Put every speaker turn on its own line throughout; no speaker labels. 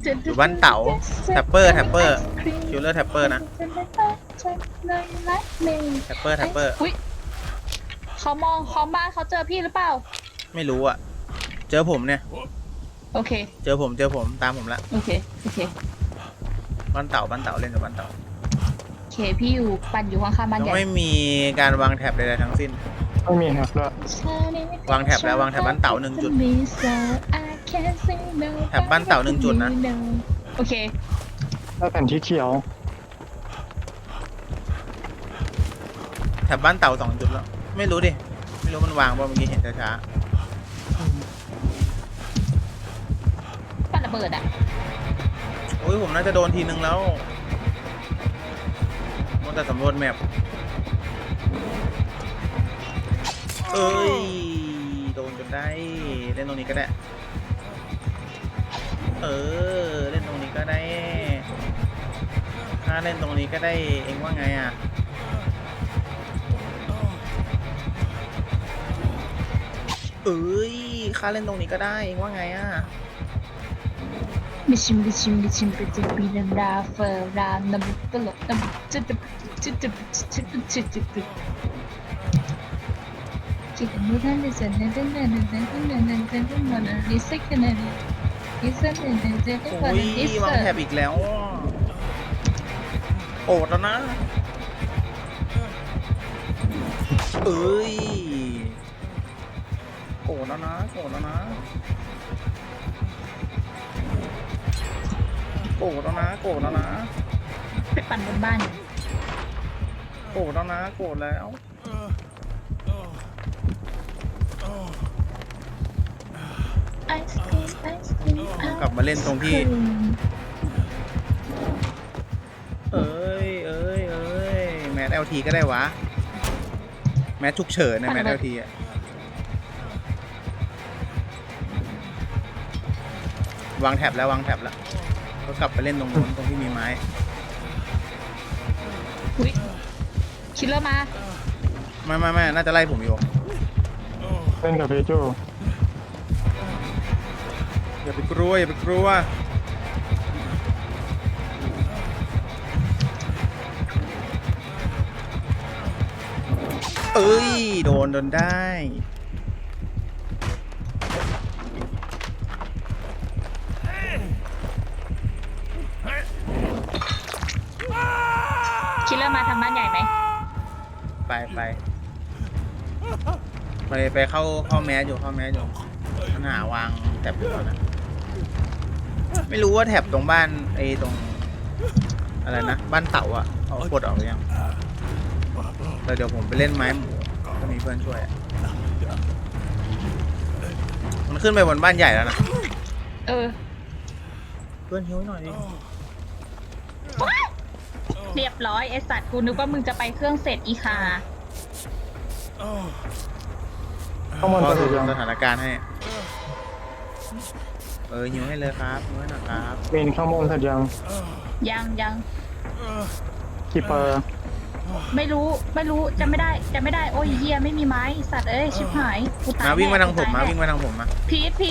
อยู่บ้านเต๋าแท็ปเปอร์คิวเลอร์แท็ปเปอร์นะแท็ปเปอร์
อุ๊ยเขามองเขาบ้านเขาเจอพี่หรือเปล่า
ไม่รู้อ่ะเจอผมเนี่ย
โอเค
เจอผมตามผมละ
โอเค
บ้านเต๋าเล่นกับบ้านเต๋า
โอเคพี่อยู่ปั่นอยู่ข้างๆบ้าน
ยั
ให
ง
ญ่
ไม่มีการวางแท็บใดๆทั้งสิ้น
ไม่มีครับด้วย
วางแท็บแล้ววางแท็บบ้านเต๋า1 จุดแท็บบ้านเต๋า1 จุดนะ
โอเค
ได้แผ่นที่เขียว
แท็บบ้านเต๋า2 จุดแล้วไม่รู้ดิไม่รู้มันวางป่ะเมื่อกี้เห็นช้า
ปั่นระเบิดอ่ะ
ๆโอ้ยผมน่าจะโดนทีนึงแล้วมัวแต่สำรวจแมพเอ้ยโดนจนได้เล่นตรงนี้ก็ได้เล่นตรงนี้ก็ได้ถ้าเล่นตรงนี้ก็ได้เองว่าไงอ่ะค่าเล่นตรงนี้ก็ได้เองว่าไงอ่ะ
บิชิมไปเจอปีนันดาเฟอร์รามน้ำตลกน้ำจิตคิดว่าท่านจะเสนอท่านดิสกันนะดิสกันนะดิส
โอ้ยวางแถบอีกแล้วโอดแล้วนะโกรธแล้วนะโกรธแล้วนะ
ไปปั่นบนบ้าน
โกรธแล้วนะโกรธแล้วกลับมาเล่นตรงที่แมท LT ก็ได้วะแมทฉุกเฉินนะแมท LT อ่ะวางแท็บแล้วก็กลับไปเล่นตรงนู้นตรงที่มีไม้
อุ๊ยคิลเลอร์มา
ไม่น่าจะไล่ผมอยู่
เล่นกับเพจู
อย่าไปกลัวโดนได้
คิลเลอร์มาทำบ้านใหญ่ไหม
ไปเข้าแมสอยู่มันหาวางแท็บอยู่แล้วนะไม่รู้ว่าแท็บตรงบ้านตรงอะไรนะบ้านเต่าอ่ะเขากดออกหรือยังแต่เดี๋ยวผมไปเล่นไม้หมูก็มีเพื่อนช่วยมันขึ้นไปบนบ้านใหญ่แล้วนะเพื่อนหิวหน่อยดิ
เรียบร้อยไอสัตว์กูนึกว่ามึงจะไปเครื่องเสร็จอีคา
ข้างบน
ก็
จะ
ดู
ถึงยัง
สถานการณ์ให้หิวให้เลยครับหิวให้หน่อยครับ
เมนข้างบนเสร็จยัง
ยัง
กี่เปอร์
ไม่รู้จะไม่ได้โอ้ยเฮียไม่มีไม้สัตว์เอ้ยชิบหายกูตาย
มาวิ่งมาทางผม
แน่
วิ่งมาทางผมมา
พีท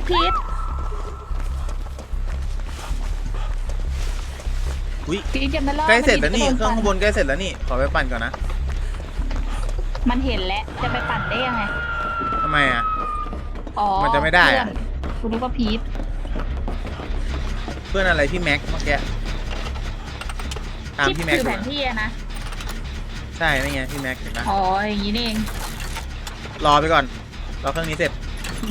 อุ้ย
พีทยังไม่รอด
ใกล้เสร็จแล้วนี่
มัน
เครื่องข้างบนใกล้เสร็จแล้วนี่ขอไปปั่นก่อนนะ
มันเห็นแล้วจะไปปั่นได้ยังไง
ทำไมอ่ะ
อ๋อ
มันจะไม่ได้อะ
กูนึกว่าพีท
เพื่อนอะไรพี่แม็กเมื่อกี้ตาม
ที่
พี่แม็ก
คือ
อ
แผ
ยู่
นที่อะนะ
ใช่ไม่ไงพี่แม็กเห็นปะ
อ๋ออย่างนี้นี่เอง
รอไปก่อนรอเครื่องนี้เสร็จ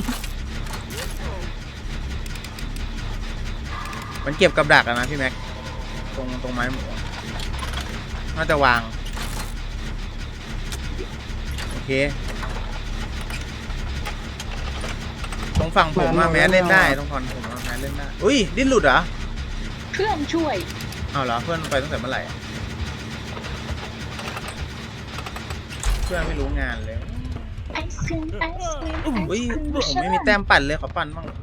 มันเก็บกับดักอะนะพี่แม็กตรงไม้หมูน่าจะวางโอเคตรงฝั่งผมมาแมสเล่นได้ตรงฝั่งผมมาแมสเล่นได้อุ้ยดิ้นหลุดเหรอ
เครื่องช่วย
เอาเหรอเพื่อนไปตั้งแต่เมื่อไหร่อะเพื่อนไม่รู้งานเลย
ไอศครีม
อุ้ยผมไม่มีแต้มปั่นเลยขอปั่นบ้าง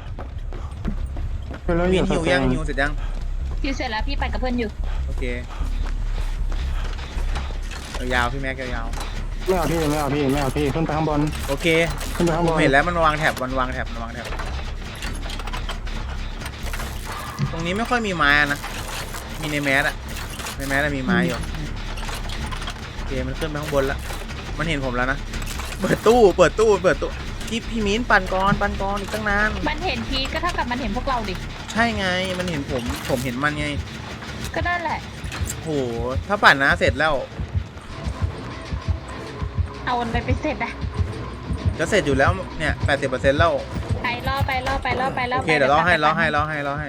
เป็นแล้ว
มี
อยู่
หิวยังหิวเสร็จยัง
พี่เสร็จแล้วพี่ปั่นกับเพื่อนอยู่
โอเคยาวๆพี่แม็กยาว
ไม่เอาพี่ขึ้นไปข้างบน
ๆโอเค
ขึ้นไปข้าง
ผ
บ
ม
น
เห็นแล้วมันวางแถบรงนี้ไม่ค่อยมีไม้อะนะมีในแมสอะในแมสอะมีไม้อยู่โอเคมันขึ้นไปข้างบนแล้วมันเห็นผมแล้วนะเปิดตู้พี่มิ้นปั่นก่อนอีกตั้งนาน
มันเห็นพีทก็เท่ากับมันเห็นพวกเราดิ
ใช่ไงมันเห็นผมเห็นมันไง
ก็นั่นแหละ
โหถ้าปั่นนะเสร็จแล้ว
เอามันไปเสร็จอะ
จะเสร็จอยู่แล้วเนี่ย 80%แล้ว
ไปล่อไป
โอเคเดี๋ยวล้อให้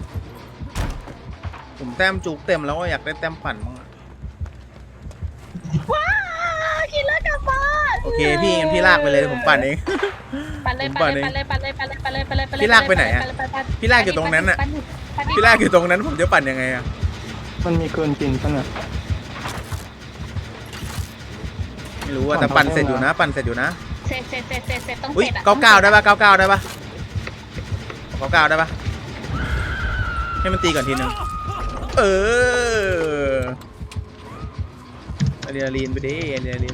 ผมแต้มจุกเต็มแล้วก็อยากได้แต้มปั่นบ้างอะ
ว้าวกินแล้วกลับบ้าน
โอเคพี่งั้นพี่ลากไปเลยเดี๋ยวผมปั่นเอง
ปั่นเลย
พี่ลากไปไหนอะพี่ลากอยู่ตรงนั้นอะ พี่ลากอยู่ตรงนั้นผมจะปั่นยังไงอะ
มันมีเกินจริงปะเนี่ย
ไม่รู้อะแต่ปั่นเสร็จอยู่นะเสร็จต้อง
อุ้ย
เสร็จอะ99ได้ปะ99ได้ปะให้มันตีก่อนทีนึงอะดรีนาลีนไปดิ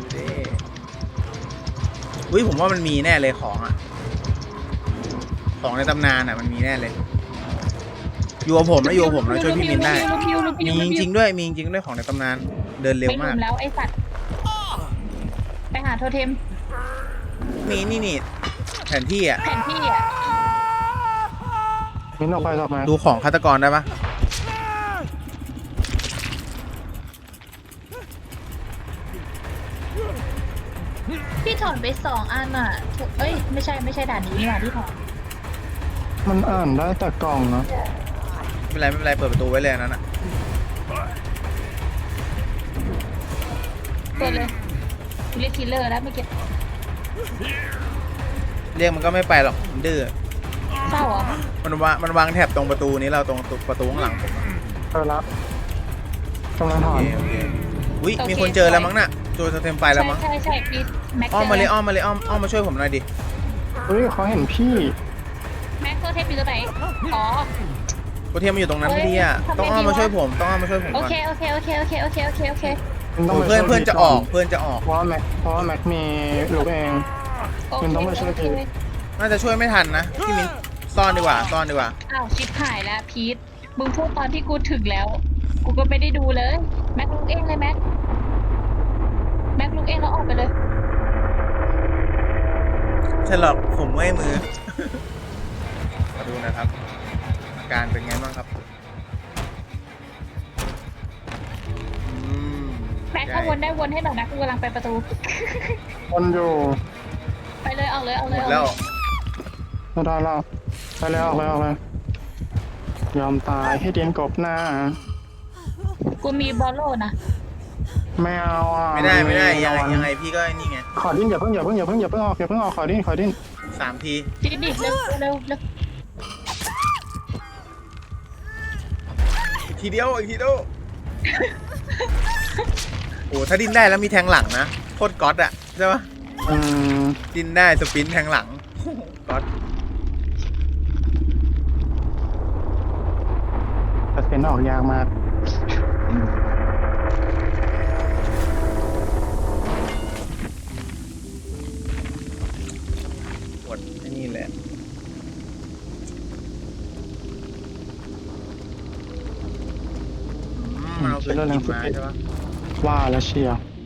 อุ้ยผมว่ามันมีแน่เลยของอะของในตำนานอะมันมีแน่เลยอยู่กับผมนะช่วยพี่มินได้มีจริงๆด้วยของในตำนานเดินเร็ว
ไม่
มาก
ลืมแล้วไอ้สัตว์ไปหาโทเทม
มีนี่แผนที่อะ
แผนที่อะ
มิ้นออกไปออกมา
ดูของฆาตกรได้ปะ
พี่ถอนไป2 อันอ่ะเอ้ยไม่ใช่ด่านนี้นี่หว่าที่ถอน
มันอ่านได้แต่กล่องนะ
ไม่เป็นไรเปิดประตูไว้เลยอันนั้นอะ
เปิดเลยเรียกคิลเลอร์แล้วไม่เก็บ
เรียกมันก็ไม่ไปหรอกมันดื้อ
เศร้าเหรอ
มันวางแถบตรงประตูนี้เราตรงประตูข้างหลังผมอะ
เออละกำลังถอน
โอเคอุ้ยมีคนเจอแล้วมั้งน่ะตัวเต็มไปแล้วมั้ง
ใช่พี่แม็ก
อ้อมมาเลยอ้อมมาช่วยผมหน่อยดิ
เฮ้ยเขาเห็นพี่
แม็กโทเทมอยู่ตรงไหนอ๋อ
โคเทียมมันอยู่ตรงนั้นพอดีอะ
เฮ้ย
ต้องอ้อมมาช่วยผม
โอ
ก่อน
เค
มันต้อง
โอ้
ไป
เพื่อน
ช่วย
เพื่อนจะออก
พี่
เพื่อนจะออก
เพราะว่าแม็กมีลูกเอง มันต้องไปช่วยที
น่าจะช่วยไม่ทันนะพี่มิ้นซ่อนดีกว่า
อ้าวชิปหายแล้วพีทมึงพูดตอนที่กูถึงแล้ว กูก็ไม่ได้ดูเลยแม็กลุกเองเลยแม็กลุกเองแล้วออกไปเลย
ฉลอกผมเมื่อยมือ มาดูนะครับ อาการเป็นไงบ้างครับ
แม็กก็วนได้วนให้หน่อยนะกูกำลังไปประตู
คนอยู่
ไปเลยเอาเลย
หมดแล้ว
ไม่ได้แล้วไปแล้วออกเลยยอมตายให้เดียนกบหน้า
กูมีบอลโลนะ
ไม่เอาอ่ะ
ไม่ได้
ระวั
ยังไงพี่ก็นี่ไง
ขอดิ้นอย่าเพิ่งออกขอดิ้น
3 ที
จีดิเร็ว
อีกทีเดียวโอ้ถ้าดิ้นได้แล้วมีแทงหลังนะโคตรก๊อตอะใช่ปะ
อืม
ดิ้นได้สปรินต์แทงหลังก๊อต
แต่เป็นออกยากมาก
ปวดไอ้นี่แหละมันเอาปืนยิงมาใช่ปะ
ว่าแล้วเชียร์